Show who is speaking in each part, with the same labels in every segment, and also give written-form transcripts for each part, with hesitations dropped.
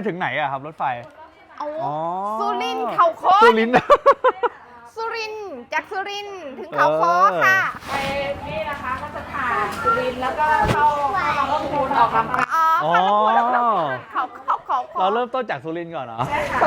Speaker 1: ถึงไหนอะครับรถไฟ
Speaker 2: สุรินทร์เขาค้อ
Speaker 1: สุรินทร์
Speaker 2: สุรินทร์จากสุรินทร์ถึงเขาค้อค่ะไปนี่นะคะก็จะผ่านสุรินทร์แล้วก็เข้าลำพูนออกลำปางอ๋อ
Speaker 1: เราเริ่มต้นจากสุรินทร์ก่อนเหรอ
Speaker 2: ใช่ค่ะ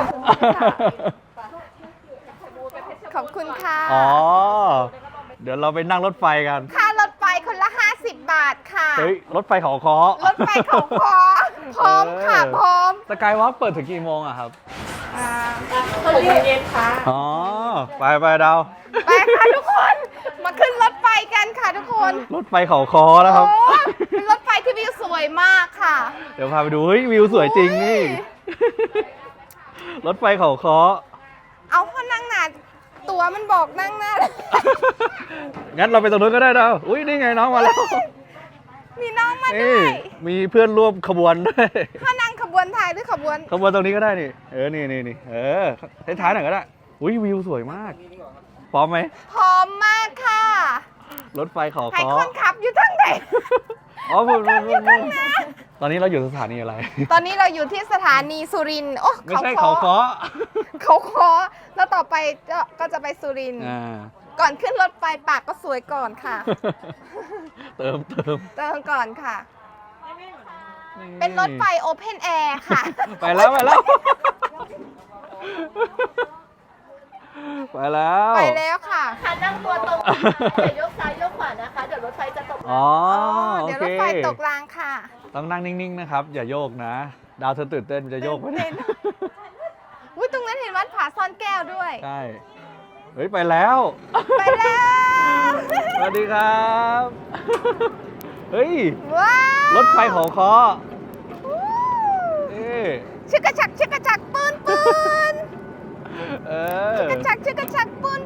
Speaker 2: ขอบคุณค่ะ
Speaker 1: อ๋อเดี๋ยวเราไปนั่งรถไฟกัน
Speaker 2: ค่ารถไฟคนละ50 บาทค่ะ
Speaker 1: เฮ้ยรถไฟเขาค้อ
Speaker 2: รถไฟเขาค้อพร้อมค่ะพร้อม
Speaker 1: สกายวอล์กเปิดถึงกี่โมงอะครับ
Speaker 2: 6 โมงเย็นค่ะ
Speaker 1: อ๋อไปดาว
Speaker 2: ไปค่ะทุกคนมาขึ้นรถไฟกันค่ะทุกคน
Speaker 1: รถไฟเขาค้อแล้วครับ
Speaker 2: เป็นรถไฟที่วิวสวยมากค่ะ
Speaker 1: เดี๋ยวพาไปดูเฮ้ยวิวสวยจริงนี่รถไฟเขาค้อ
Speaker 2: เอาพอนั่งหนาตัวมันบอกนั่งหน้า
Speaker 1: งั้นเราไปตรงนู้นก็ได้ดาวอุ้ยนี่ไงน้องมาแล้ว
Speaker 2: มีน้องมาด้วย
Speaker 1: มีเพื่อนร่วมขบวนด้วย
Speaker 2: ถ้านั่งขบวนไทยหรือขบวน
Speaker 1: ตรงนี้ก็ได้นี่นี่ท้ายๆหน่อยก็ได้อุ้ยวิวสวยมากพร้อมไหม
Speaker 2: พร้อมมากค่ะ
Speaker 1: รถไฟเขาค้อ
Speaker 2: ใครคนขับอยู่ทั้งไหน
Speaker 1: อ๋อตอนนี้เราอยู่สถานีอะไร
Speaker 2: ตอนนี้เราอยู่ที่สถานีสุรินทร์โอ้
Speaker 1: ไม่ใช่เขาค้อ
Speaker 2: แล้วต่อไปก็จะไปสุรินทร์ก่อนขึ้นรถไฟปากก็สวยก่อนค่ะ
Speaker 1: เติม
Speaker 2: ก่อนค่ะเป็นรถไฟโอเพนแอร์ค่ะ
Speaker 1: ไปแล้วไปแล้ว
Speaker 2: ค่ะ
Speaker 3: นั่งตัวตรงอย่ายกซ้ายยกขวานะคะเดี๋ยวรถไฟจะตกราง
Speaker 2: เดี๋ยวรถไฟตกรางค่ะ
Speaker 1: ต้องนั่งนิ่งๆนะครับอย่าโยกนะดาวเธอตื่นเต้นจะโยกไม่ได้
Speaker 2: ตรงนั้นเห็นวัดผาซ่อนแก้วด้วย
Speaker 1: ใช่เฮ้ยไปแล้วสวัสดีครับเฮ้ยรถไฟเขาค้อ
Speaker 2: ชึกกระชักปืนชึกกระชักปืน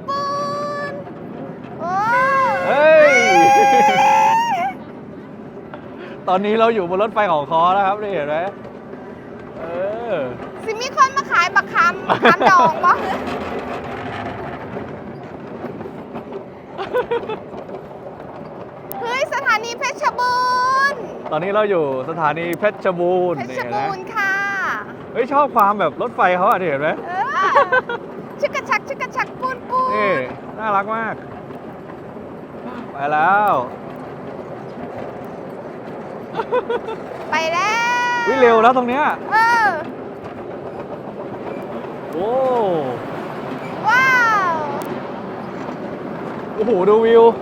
Speaker 1: เฮ้ยตอนนี้เราอยู่บนรถไฟเขาค้อแล้วครับนี่เห็นไหม
Speaker 2: สิมีคนมาขายบักคำดองปะเฮ้ยสถานีเพชรบูรณ์
Speaker 1: ตอนนี้เราอยู่สถานีเพชรบูรณ์
Speaker 2: ค่ะ
Speaker 1: เฮ้ยชอบความแบบรถไฟเขาอ่ะเห็นไหม
Speaker 2: ชึกกระชักปูน
Speaker 1: นี่น่ารักมากไปแล้ววิเร็วแล้วตรงเนี้ยโอ้
Speaker 2: ว้าว
Speaker 1: โอ้โหดูวิว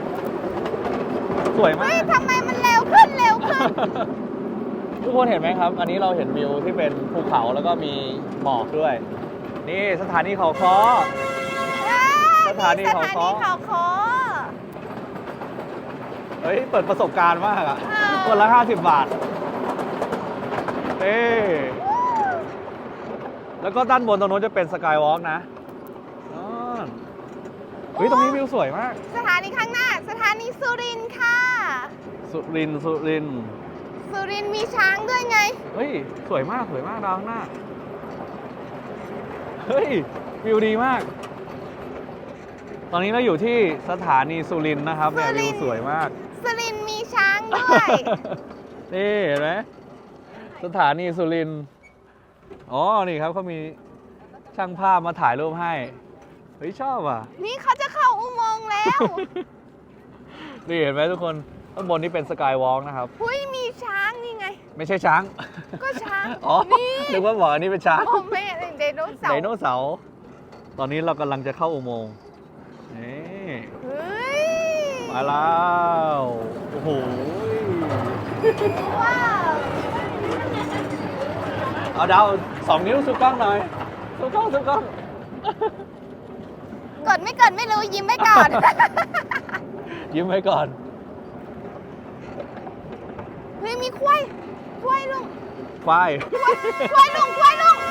Speaker 1: สวยมาก
Speaker 2: ทำไมมันเร็วขึ้น
Speaker 1: ทุกคนเห็นไหมครับอันนี้เราเห็นวิวที่เป็นภูเขาแล้วก็มีหมอกด้วยนี่สถานีเขาค้อสถานีเขาค้อเฮ้ยเปิดประสบการณ์มากอ่ะคนละ50 บาทแล้วก็ด้านบนตรงโน้นจะเป็นสกายวอล์กนะเฮ้ยตรงนี้วิวสวยมาก
Speaker 2: สถานีข้างหน้าสถานีสุรินทร์ค่ะ
Speaker 1: สุรินทร์
Speaker 2: มีช้างด้วยไง
Speaker 1: เฮ้ยสวยมากดาวข้างหน้าเฮ้ยวิวดีมากตอนนี้เราอยู่ที่สถานีสุรินทร์นะครับเนี่ยวิวสวยมาก
Speaker 2: สุรินทร์มีช้างด้วย
Speaker 1: นี่เห็นไหมสถานีสุรินทร์อ๋อนี่ครับเขามีช่างภาพมาถ่ายรูปให้เฮ้ยชอบอ่ะ
Speaker 2: นี่เขาจะเข้าอุโมงค์แล้ว
Speaker 1: นี่เห็นไหมทุกคนข้างบนนี้เป็นสกายวอล์กนะครับ
Speaker 2: หุ้ยมีช้างนี่ไง
Speaker 1: ไม่ใช่ช้าง
Speaker 2: ก็ช้าง
Speaker 1: อ๋อนึกว่าบอกอันนี้เป็นช้าง
Speaker 2: ไม่ไดโนเสาร์
Speaker 1: ตอนนี้เรากำลังจะเข้าอุโมงค์นี่มาแล้วโอ้โห
Speaker 2: ว้าว
Speaker 1: เอาดาว2 นิ้วสู้กล้องหน่อยสู้กล้อง
Speaker 2: กดไม่รู้ยิ้มไว้ก่อน
Speaker 1: ยิ้มไว้ก่อน
Speaker 2: เฮ้ยมีควายลุง
Speaker 1: ควาย
Speaker 2: ลุง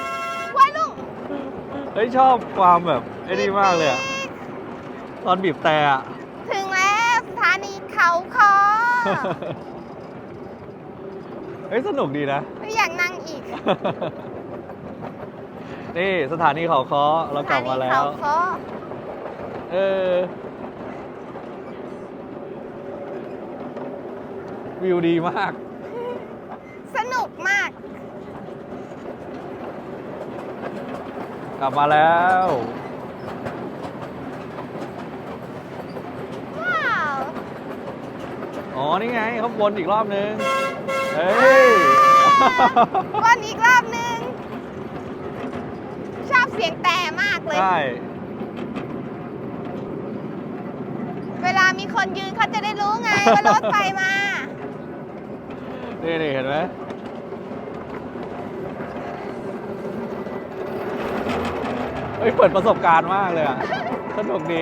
Speaker 1: เฮ้ยชอบความแบบไอ้นี่มากเลยอะตอนบีบแต่อะ
Speaker 2: ถึงแล้วสถานีเขาค้อ
Speaker 1: เฮ้ยสนุกดีนะ
Speaker 2: ไม่อยากนั่งอีก
Speaker 1: นี่สถานีเขาค้อเรากลับมาแล้ววิวดีมาก
Speaker 2: สนุกมาก
Speaker 1: กลับมาแล้ว
Speaker 2: ว้าว
Speaker 1: อ๋อ นี่ไงเขาวนอีกรอบนึง เฮ้ย
Speaker 2: วนอีกรอบนึง ชอบเสียงแต่มากเลย
Speaker 1: ใช่
Speaker 2: เวลามีคนยืนเขาจะได้รู้ไง ว่ารถไฟมา
Speaker 1: นี่เห็นไหมเฮ้ย เปิดประสบการณ์มากเลยอ่ะ สนุกดี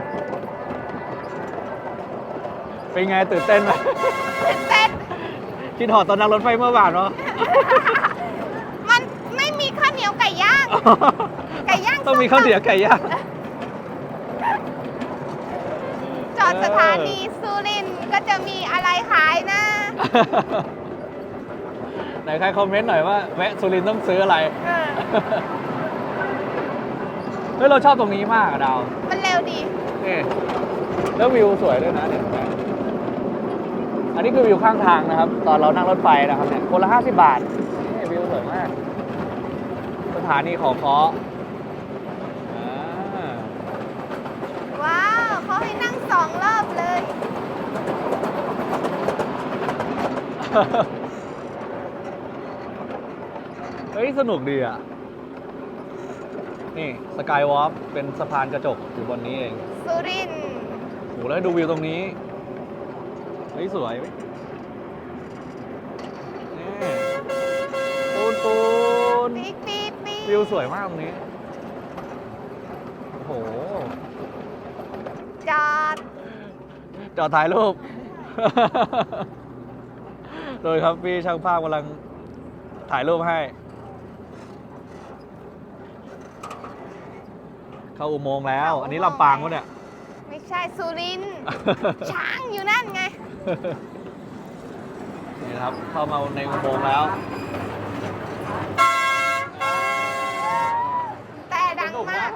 Speaker 1: เป็นไงตื่นเต้นไหม
Speaker 2: ตื่นเต้น
Speaker 1: คิดถอดตอนนั่งรถไฟเมื่อวานวะ
Speaker 2: มันไม่มีข้าวเหนียวไก่ย่าง ไก่ย่าง
Speaker 1: ต้องมีข้าวเหนียวไก่ย่าง
Speaker 2: จอดสถานีสุรินทร์ก็จะมีอะไรขายนะ
Speaker 1: ไหนใครคอมเมนต์หน่อยว่าแวะสุรินทร์ต้องซื้ออะไร
Speaker 2: เออ
Speaker 1: เฮ้ยเราชอบตรงนี้มากอะดาว
Speaker 2: มันเร็วดี
Speaker 1: นี่แล้ววิวสวยด้วยนะเนี่ยเห็นไหมอันนี้คือวิวข้างทางนะครับ ตอนเรานั่งรถไฟนะครับเนี่ยคนละ50 บาทนี่วิวสวยมาก สถานีเขาค้ออ่า
Speaker 2: ว้าว เขาให้นั่ง2 รอบเลย
Speaker 1: เฮ้ย สนุกดีอ่ะ นี่สกายวอล์กเป็นสะพานกระจกอยู่บนนี้เอง
Speaker 2: สุรินทร์
Speaker 1: โหแล้วดูวิวตรงนี้ เฮ้ย สวยเว้ยนี่ปูน
Speaker 2: ปี๊ดปี๊ดปี๊ด
Speaker 1: วิวสวยมากตรงนี้ โอ้โห
Speaker 2: จอด
Speaker 1: จอดถ่ายรูป โดยครับพี่ช่างภาพกำลังถ่ายรูปให้ เข้าอุโมงค์แล้ว อันนี้ลำปางวะเนี่ย
Speaker 2: ไม่ใช่สุรินทร์ ช้างอยู่นั่นไง
Speaker 1: นี่นะครับ เข้ามาในอุโมงค์แล้ว
Speaker 2: แต่ดังมาก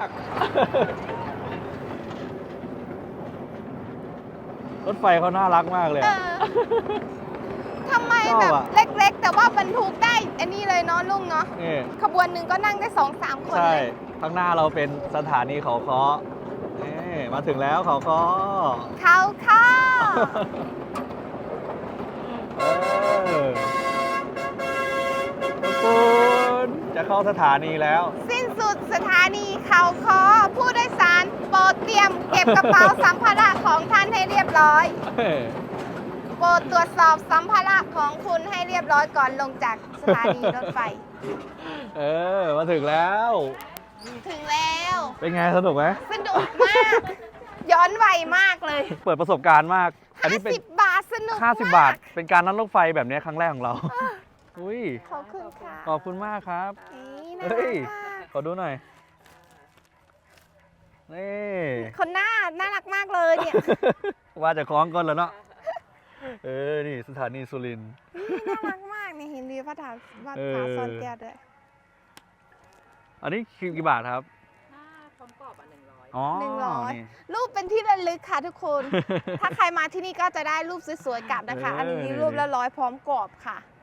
Speaker 1: รถไฟเขาน่ารักมากเลย
Speaker 2: เอ
Speaker 1: อะ
Speaker 2: อทำไม
Speaker 1: ชอบ
Speaker 2: แบบ
Speaker 1: อะ
Speaker 2: เล็กๆ แต่ว่าบรรทุกได้ อันนี้เลยเนาะลุงเนาะ
Speaker 1: นี่
Speaker 2: ขบวนหนึ่งก็นั่งได้2-3 คน
Speaker 1: ใช่
Speaker 2: เลย
Speaker 1: ข้างหน้าเราเป็นสถานีเขาค้อนี่มาถึงแล้วเขาค้อ
Speaker 2: เขาเข้า
Speaker 1: เออทุกคน จะเข้าสถานีแล้ว
Speaker 2: สิ้นสุดสถานีเขาคอผู้โดยสารโปรดเตรียมเก็บกระเป๋าสัมภาระของท่านให้เรียบร้อย โปรดตรวจสอบสัมภาระของคุณให้เรียบร้อยก่อนลงจากสถานีรถไฟ
Speaker 1: เออ มาถึงแล้ว
Speaker 2: ถึงแล้ว
Speaker 1: เป็นไงสนุกไหม
Speaker 2: สนุกมาก ย้อนวัยมากเลย
Speaker 1: เปิดประสบการณ์มาก อันนี้เป็น
Speaker 2: 50 บาทสนุกมาก
Speaker 1: 50 บาท เป็นการนั่งรถไฟแบบนี้ครั้งแรกของเรา อุ้ย
Speaker 2: ขอบคุณค่ะ
Speaker 1: ขอบคุณมากครับ
Speaker 2: นี่น่า
Speaker 1: เฮ้ย
Speaker 2: รักมาก
Speaker 1: ขอดูหน่อย นี่
Speaker 2: คนหน้าน่ารักมากเลยเนี่ย
Speaker 1: ว่าจะคล้องก่อนแล้วเนาะ เออ นี่สถานีสุรินทร์
Speaker 2: น่ารักมากเนี่ยเห็นดีพระถาวัด
Speaker 1: เออ
Speaker 2: ผาซ่อนแก้วด้วย
Speaker 1: อันนี้กี่บาทครับ
Speaker 3: ถ้าพร้อมกรอบอ่ะ100
Speaker 1: อ๋อ
Speaker 2: 100
Speaker 1: นี่
Speaker 2: รูปเป็นที่ระลึกค่ะทุกคน ถ้าใครมาที่นี่ก็จะได้รูปสวยๆกลับนะคะ อันนี้รูปละ100พร้อมกรอบค่ะ